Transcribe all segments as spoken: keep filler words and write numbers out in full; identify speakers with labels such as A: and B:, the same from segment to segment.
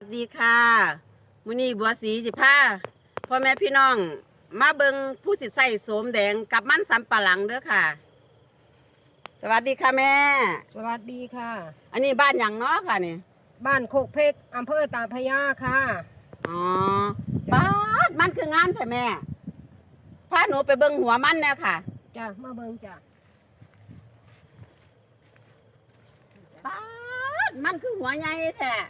A: ดีค่ะมื้อนี้บัวสีสิพาพ่อแม่พี่น้องมาเบิงผู้สิใส่โสมแดงกับมันสำปะหลังเด้อค่ะสวัสดีค่ะแม่
B: สวัสดีค่ะ
A: อันนี้บ้านหยังเนาะค่ะนี่
B: บ้านโคกเพกอำเภอตาพระยาค่ะ
A: อ๋อบ้านมันคืองามใช่แม่พาหนูไปเบิงหัวมันแน่ค่ะ
B: จ้ะมาเบิงจ้ะ
A: บ้านมันคือหัวใหญ่แท้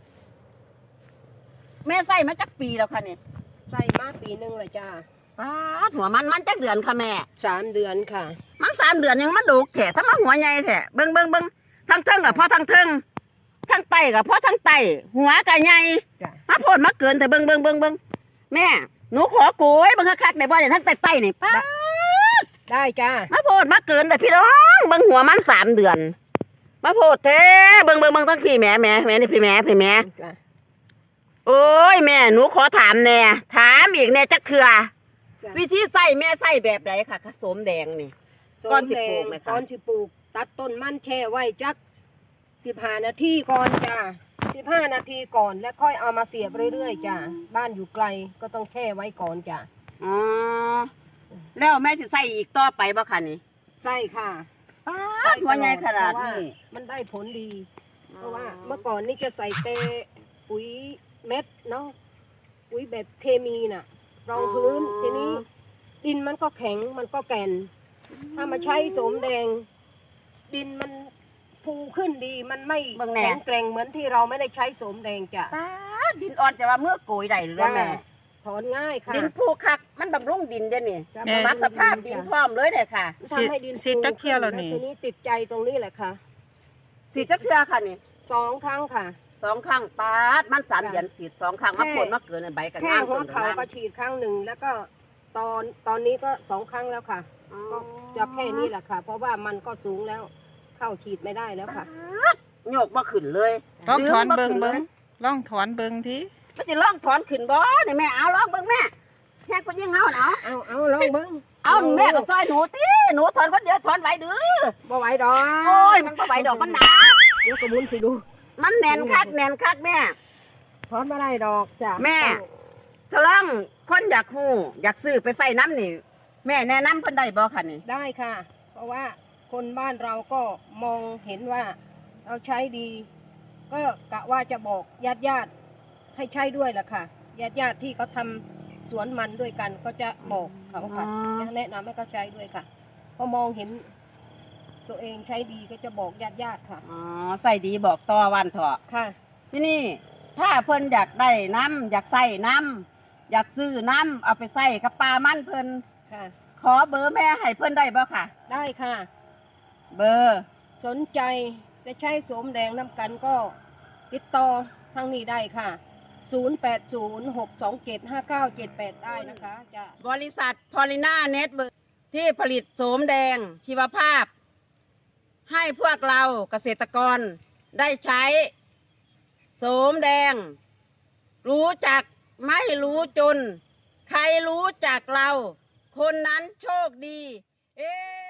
A: แม่ใส่มาจักปีแล้วค่ะนี่
B: ใส่มาปีหนึ่งเลยจ้ะ
A: บ้านหัวมันมันจักเดือนค่ะแม่
B: สามเดือนค่ะ
A: มันสามเดือนยังมาดูแท้ถ้ามาหัวใหญ่แท้เบิงเบิงเบิงทั้งเทิงกับพ่อทั้งเทิงทั้งไตกับพ่อทั้งไตหัวกับใหญ่มาโพดมาเกินแต่เบิงเบิงเบิงเบิงแม่หนูขอโกยเบิงคักๆในบ่อเนี่ยทั้งไตไตนี่ป้า
B: ได้จ้ะ
A: มาโพดมาเกินแต่พี่น้องเบิงหัวมันสามเดือนมาโพดแท้เบิงเบิงเบิงทั้งพี่แม่แม่แม่นี่พี่แม่พี่แม่โอ้ยแม่หนูขอถามแน่ถามอีกแน่จักเถื่อวิธีใส่แม่ใส่แบบไหนค่ะผสมแดงนี่ก้อนสิปลูกไหมคะ
B: ก้อนสิปลูกตัดต้นมันแช่ไว้จักสิบห้านาทีก่อนจ้ะสิบห้านาทีก่อนแล้วค่อยเอามาเสียบเรื่อยๆจ้ะบ้านอยู่ไกลก็ต้องแช่ไว้ก่อนจ้ะ
A: อ๋อแล้วแม่จะใส่อีกต่อไปบ่คะนี่
B: ใช่ค่ะ
A: หัวใหญ่ขนาดนี้
B: มันได้ผลดีเพราะว่าเมื่อก่อนนี่จะใส่เตปุ๋ยเม็ดเนาะปุ๋ยแบบเคมีน่ะรองพื้นทีนี้ดินมันก็แข็งมันก็แก่นถ้ามาใช้โสมแดงดินมันฟูขึ้นดีมันไม่แข็งแกร่งเหมือนที่เราไม่ได้ใช้โสมแดงจ้ะ
A: ดินอ่อนจะว่าเมื่อโกยได้หรือแม่
B: ถอนง่ายค่ะ
A: ดินฟูคักมันบำรุงดินเด้นี่ปรับสภาพดินพร้อมเลยเลยค่ะ
B: ทำให้ดิน
C: สีจักเทียแล้วนี่
B: ทีนี้ติดใจตรงนี้แหละค่ะ
A: สีจักเทียค่ะนี่
B: สองครั้งค่ะ
A: สองครั้งปาดมันสามเดือนสีสองครั้งมาผลมาเกินใบกัน
B: แค่หัวเขาก็ฉีดครั้งหนึ่งแล้วก็ตอนตอนนี้ก็สองครั้งแล้วค่ะก็จะแค่นี้แหละค่ะเพราะว่ามันก็สูงแล้วเข้าฉีดไม่ได้แล้วค่ะ
A: โยกมาขึ้นเลย
C: ลองถอนเบิงเบิงลองถอนเบิงที
A: มันจะลองถอนขึ้นบ่นี่แม่เอาลองเบิงแม่แค่คนยังเอาเอา
B: เอาเอาลองเบิง
A: เอาแม่ก็ซอยหนูตีหนูถอนคนเดียวถอนไหวดื้อ
B: บ่ไหวดอก
A: โอ้ยมันบ่ไหวดอกมันหนา
B: เดี๋ยวกระมุนสิดู
A: มันแน่นคักแน่นคักแม่
B: ถอนไม่ได้ดอกจ้ะ
A: แม่ทะลังคนอยากหูอยากซื้อไปใส่น้ำนี่แม่แนะนำเพิ่นได้บ่คะนี่
B: ได้ค่ะเพราะว่าคนบ้านเราก็มองเห็นว่าเราใช้ดีก็กะว่าจะบอกญาติญาติให้ใช้ด้วยแหละค่ะญาติญาติที่เขาทำสวนมันด้วยกันก็จะบอกเขาค่ะจะแนะนำให้เขาใช้ด้วยค่ะพอมองเห็นตัวเองใช้ดีก็จะบอกญาติญาติค่ะ
A: อ๋อใส่ดีบอกต่อวันเถอะ
B: ค่ะ
A: ที่นี่ถ้าเพิ่นอยากได้น้ำอยากใส่น้ำอยากซื้อน้ำเอาไปใส่กับปลามันเพิ่น
B: ค่ะ
A: ขอเบอร์แม่ให้เพิ่นได้บ่ค่ะ
B: ได้ค่ะ
A: เบอร์
B: สนใจจะใช้โสมแดงน้ำกันก็ติดต่อทางนี้ได้ค่ะศูนย์ แปด ศูนย์ หก สอง เจ็ด ห้า เก้า เจ็ด แปดได้นะคะจะ
A: บริษัทพอลิน่าเน็ตเวิร์คที่ผลิตโสมแดงชีวภาพให้พวกเราเกษตรกรได้ใช้โสมแดงรู้จักไม่รู้จนใครรู้จักเราคนนั้นโชคดีเอ๊